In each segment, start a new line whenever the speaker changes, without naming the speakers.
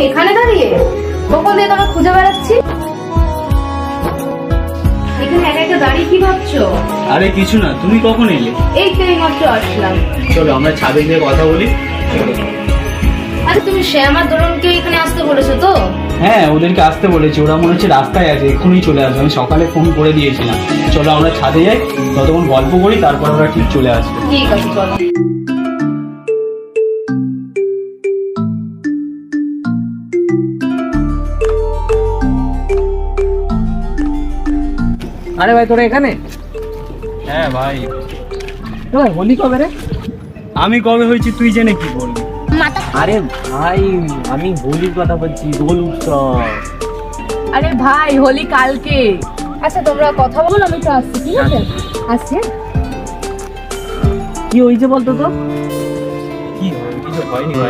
এখানে দাঁড়িয়ে কখন দিয়ে তোমাকে খুঁজে বেড়াচ্ছি। এখানে একা একা দাঁড়িয়ে কি ভাবছো?
আরে কিছু না, তুমি কখন এলে?
এই তো এইমাত্র আসলাম।
চলো আমরা ছাদে গিয়ে কথা বলি।
আরে তুমি শ্যাম আর দোলনকে এখানে আসতে বলেছো তো?
হ্যাঁ, ওদেরকে আসতে বলেছি, ওরা মনে হচ্ছে রাস্তায় আছে, এক্ষুনি চলে আসবে। আমি সকালে ফোন করে দিয়েছিলাম। চলো আমরা ছাদে যাই, ততক্ষণ গল্প করি, তারপর ওরা ঠিক চলে আসবে।
ঠিক আছে চলো।
আরে ভাই তোরা এখানে?
হ্যাঁ ভাই।
ভাই হোলি কবে রে?
আমি কবে হয়েছি তুই জেনে কি বলবি?
আরে ভাই আমি হোলির কথা বলছি, দোল উৎসব।
আরে ভাই হোলি কালকে। আচ্ছা তোমরা কথা বলো, আমি তো আসছি। ঠিক আছে আসছি।
কি হয়েছে বলতো তো?
কি কিছু হয়নি ভাই।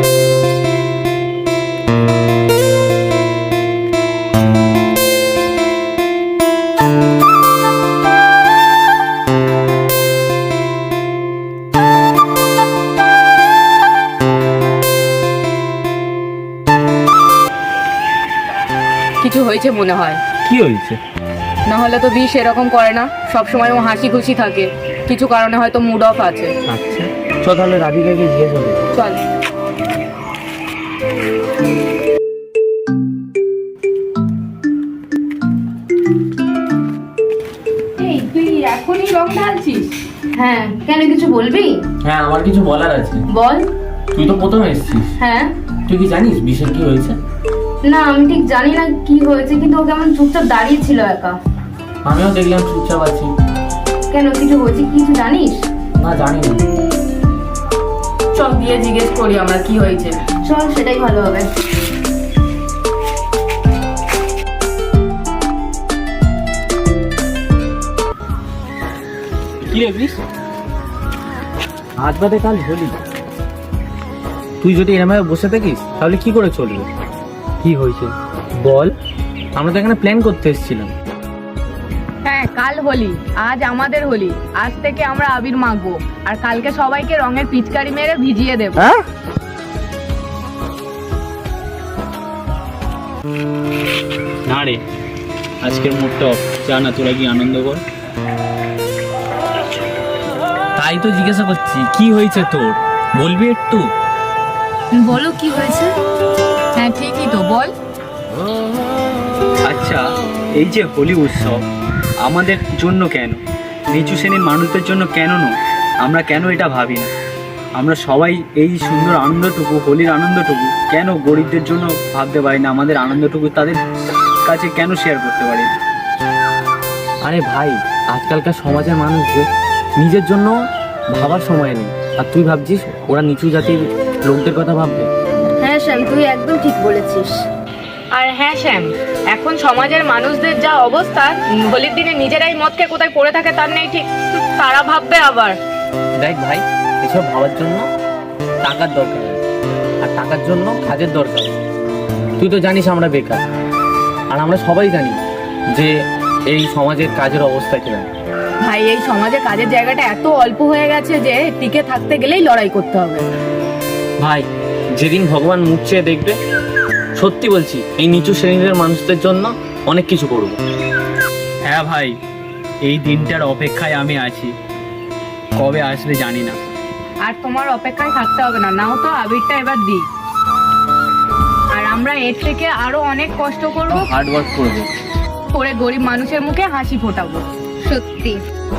কিছু হয়েছে মনে হয়।
কি হয়েছে?
না হলে তো বিষ এরকম করে না, সবসময় ও হাসি খুশি থাকে। কিছু কারণে হয়তো মুড অফ আছে।
আচ্ছা চ তাহলে রাধিকাকে জিজ্ঞেস করি।
চল। এই তুই এখনই রং ঢালছিস? হ্যাঁ, কেন কিছু বলবি?
হ্যাঁ আমার কিছু বলার আছে।
বল।
তুই তো প্রথম এসেছিস,
হ্যাঁ।
তুই কি জানিস বিশের কি হয়েছে?
না আমি ঠিক জানি না কি হয়েছে, কিন্তু ও কেমন চুপচাপ দাঁড়িয়ে ছিল একা।
আমিও দেখলাম চুপচাপ আছি।
কেন কিছু হয়েছে, কিছু জানিস?
না জানি না।
চল গিয়ে জিজ্ঞেস করি আমরা কি হয়েছে। চল, সেটাই ভালো হবে।
কি রে বিশ, আজ বাদে কাল হোলি, তুই যদি এরমভাবে বসে থাকিস তাহলে কি করে চলবে? কি হয়েছে বল, আমরা তো এখানে প্ল্যান করতে এসেছিলাম।
হ্যাঁ কাল হোলি, আজ আমাদের হোলি। আজ থেকে আমরা আবির মাখবো আর কালকে সবাইকে রঙের পিচকারি মেরে ভিজিয়ে দেব।
হ্যাঁ
না রে, আজকের মুডটা অফ। যা না, তোরা কি আনন্দ কর।
তাই তো জিজ্ঞাসা করছি কি হয়েছে তোর, বলবি একটু?
বলো কি হয়েছে। হ্যাঁ ঠিকই তো, বল।
আচ্ছা, এই যে হোলি উৎসব আমাদের জন্য কেন, নিচু শ্রেণীর মানুষদের জন্য কেন নয়? আমরা কেন এটা ভাবি না? আমরা সবাই এই সুন্দর আনন্দটুকু, হোলির আনন্দটুকু কেন গরিবদের জন্য ভাবতে পারি না? আমাদের আনন্দটুকু তাদের কাছে কেন শেয়ার করতে পারি না?
আরে ভাই আজকালকার সমাজের মানুষদের নিজের জন্য ভাবার সময় নেই, আর তুই ভাবছিস ওরা নিচু জাতির লোকদের কথা ভাববে?
হ্যাঁ শ্যাম, তুই একদম ঠিক বলেছিস।
আর হ্যাঁ শ্যাম, এখন সমাজের মানুষদের যা অবস্থা, হোলির দিনে নিজেরাই মদকে কোথায় পড়ে থাকে তার নেই ঠিক, তারা ভাববে আবার।
দেখ ভাই, এসব ভাবার জন্য টাকার দরকার আছে, আর টাকার জন্য কাজের দরকার আছে। তুই তো জানিস আমরা বেকার, আর আমরা সবাই জানি যে এই সমাজের কাজের অবস্থা কিরকম।
ভাই এই সমাজে কাজের জায়গাটা এত অল্প হয়ে গেছে যে টিকে থাকতে গেলেই লড়াই করতে হবে।
ভাই যেদিন ভগবান মুখ চেয়ে দেখবে, সত্যি বলছি এই নিচু শ্রেণীর মানুষদের জন্য অনেক কিছু করব।
হ্যাঁ ভাই, এই দিনটার অপেক্ষায় আমি আছি, কবে আসবে জানি না।
আর তোমার অপেক্ষায় থাকতে হবে না, নাও তো আবিরটা এবার দি। আর আমরা এর থেকে আরো অনেক কষ্ট করবো,
হার্ড ওয়ার্ক করবো,
করে গরিব মানুষের মুখে হাসি ফোটাবো।
সত্যি।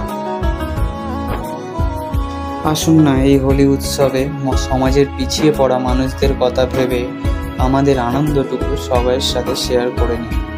আসুন না এই হোলি উৎসবে সমাজের পিছিয়ে পড়া মানুষদের কথা ভেবে আমাদের আনন্দটুকু সবার সাথে শেয়ার করে নিই।